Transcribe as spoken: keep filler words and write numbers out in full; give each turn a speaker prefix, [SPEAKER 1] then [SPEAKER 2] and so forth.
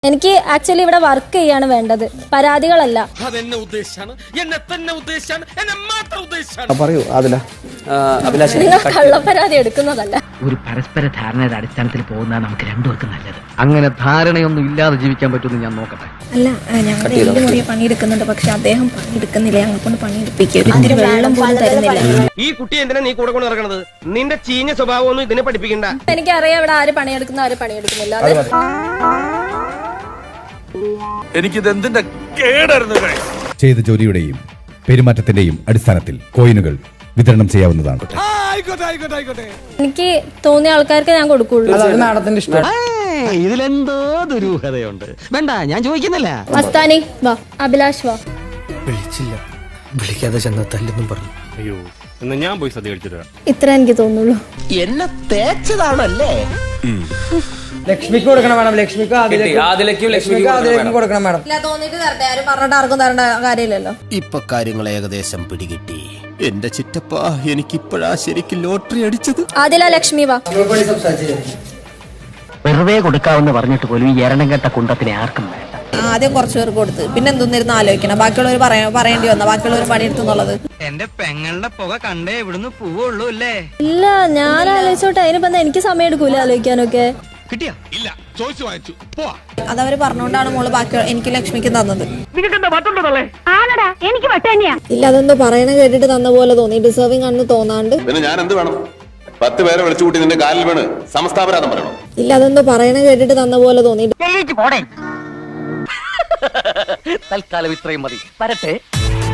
[SPEAKER 1] എനിക്ക് ആക്ച്വലി ഇവിടെ വർക്ക് ചെയ്യാണ് വേണ്ടത്, പരാതികളല്ല.
[SPEAKER 2] പറയൂ അതില
[SPEAKER 1] നിങ്ങൾ കള്ളപ്പരാതി എടുക്കുന്നതല്ല.
[SPEAKER 3] ഒരു പരസ്പര ധാരണയുടെ അടിസ്ഥാനത്തിൽ പോകുന്ന നമുക്ക് രണ്ടുപേർക്കും നല്ലത്. അങ്ങനെ ധാരണയൊന്നും ഇല്ലാതെ ജീവിക്കാൻ പറ്റുമെന്ന് ഞാൻ നോക്കട്ടെ.
[SPEAKER 4] അല്ല, ഞങ്ങൾ എന്റെ മുറിയെ പണിയെടുക്കുന്നുണ്ട്, പക്ഷെ അദ്ദേഹം പണിയെടുക്കുന്നില്ല, ഞങ്ങളെ കൊണ്ട് പണിയെടുപ്പിക്കും. അതിന് വെള്ളം പോലും തരുന്നില്ല.
[SPEAKER 5] ഈ കുട്ടി എന്തിനാ നീ കൂടെ കൊണ്ട് നടക്കണത്? നിന്റെ ചീഞ്ഞ സ്വഭാവമൊന്നും ഇതിനെ പഠിപ്പിക്കണ്ട.
[SPEAKER 1] എനിക്കറിയാം ഇവിടെ ആര് പണിയെടുക്കുന്ന ആര് പണിയെടുക്കുന്നില്ല.
[SPEAKER 6] എനിക്കിതെന്തിന്റെ കേടായിരുന്നു.
[SPEAKER 7] ചെയ്ത ജോലിയുടെയും പെരുമാറ്റത്തിന്റെയും അടിസ്ഥാനത്തിൽ കോയിനുകൾ വിതരണം ചെയ്യാവുന്നതാണ്.
[SPEAKER 1] എനിക്ക് തോന്നിയ ആൾക്കാർക്ക് ഞാൻ കൊടുക്കുള്ളൂ.
[SPEAKER 2] മാഡത്തിന്റെ ഇഷ്ടം.
[SPEAKER 3] ഇതിലെന്തോ ദുരൂഹതയുണ്ട്. വേണ്ട, ഞാൻ ചോദിക്കുന്നില്ല.
[SPEAKER 1] മസ്താനി വാ, അഭിലാഷ് വാ.
[SPEAKER 2] വിളിച്ചില്ല, വിളിക്കാതെ ചെന്ന തല്ലെന്നും പറഞ്ഞു.
[SPEAKER 6] അയ്യോ, എന്നാ ഞാൻ പോയി സദ്യ കഴിച്ചിട്ട്
[SPEAKER 1] ഇത്ര എനിക്ക് തോന്നുള്ളൂ.
[SPEAKER 3] എന്നെ തേച്ചതാണല്ലേ?
[SPEAKER 2] ലക്ഷ്മിക്ക് കൊടുക്കണം മാഡം. ലക്ഷ്മിക്ക് ലക്ഷ്മിക്ക് കൊടുക്കണം മാഡം.
[SPEAKER 4] തോന്നിട്ട് തരട്ടെ, ആരും പറഞ്ഞിട്ട് ആർക്കും തരേണ്ട കാര്യമില്ലല്ലോ.
[SPEAKER 8] ഇപ്പൊ കാര്യങ്ങൾ ഏകദേശം പിടികിട്ടി. എന്റെ ചിറ്റപ്പ, എനിക്കിപ്പോഴാ ശരിക്കും ലോട്ടറി അടിച്ചത്.
[SPEAKER 1] ആദില ലക്ഷ്മി വാ.
[SPEAKER 3] വെറുതെ കൊടുക്കാവെന്ന് പറഞ്ഞിട്ട് പോലും ഈ എരണം കെട്ട കുണ്ടത്തിനെ ആർക്കും വേണ്ട.
[SPEAKER 4] ആദ്യം കുറച്ചു പേർക്ക് കൊടുത്ത് പിന്നെ എന്തൊന്നിരുന്ന് ആലോചിക്കണം. ബാക്കിയുള്ളവർ പറയേണ്ടി വന്ന ബാക്കിയുള്ളവർ പണിയെടുത്തുന്നുള്ളത്.
[SPEAKER 3] എന്റെ പെങ്ങളുടെ പുക കണ്ടേ ഇവിടുന്ന് പോവുള്ളൂ അല്ലേ?
[SPEAKER 1] ഇല്ല, ഞാൻ ആലോചിച്ചോട്ടെ. അതിനിപ്പോ എനിക്ക് സമയം എടുക്കൂല ആലോചിക്കാനൊക്കെ.
[SPEAKER 3] കിട്ടിയാ
[SPEAKER 6] ഇല്ല, ചോദിച്ചു വാങ്ങിച്ചു പോവാ.
[SPEAKER 4] അതവര് പറഞ്ഞുകൊണ്ടാണ് മോള് ബാക്കി എനിക്ക് ലക്ഷ്മിക്ക് തന്നത്.
[SPEAKER 1] എനിക്ക് വട്ടന്നെയാ.
[SPEAKER 4] ഇല്ല, അതൊന്ന് പറയണ കേട്ടിട്ട് തന്ന പോലെ തോന്നി. ഡിസേർവിംഗ് ആണെന്ന് തോന്നാണ്ട്.
[SPEAKER 9] പിന്നെ ഞാൻ എന്ത് വേണം? പത്ത് പേരെ വിളിച്ചു കൂട്ടി നിന്റെ കാലിൽ വീണ് സമസ്താപരാധം പറയണം?
[SPEAKER 4] ഇല്ല, അതൊന്ന് പറയണ കേട്ടിട്ട് തന്ന പോലെ തോന്നി.
[SPEAKER 3] തൽക്കാലം ഇത്രയും മതി. വരട്ടെ.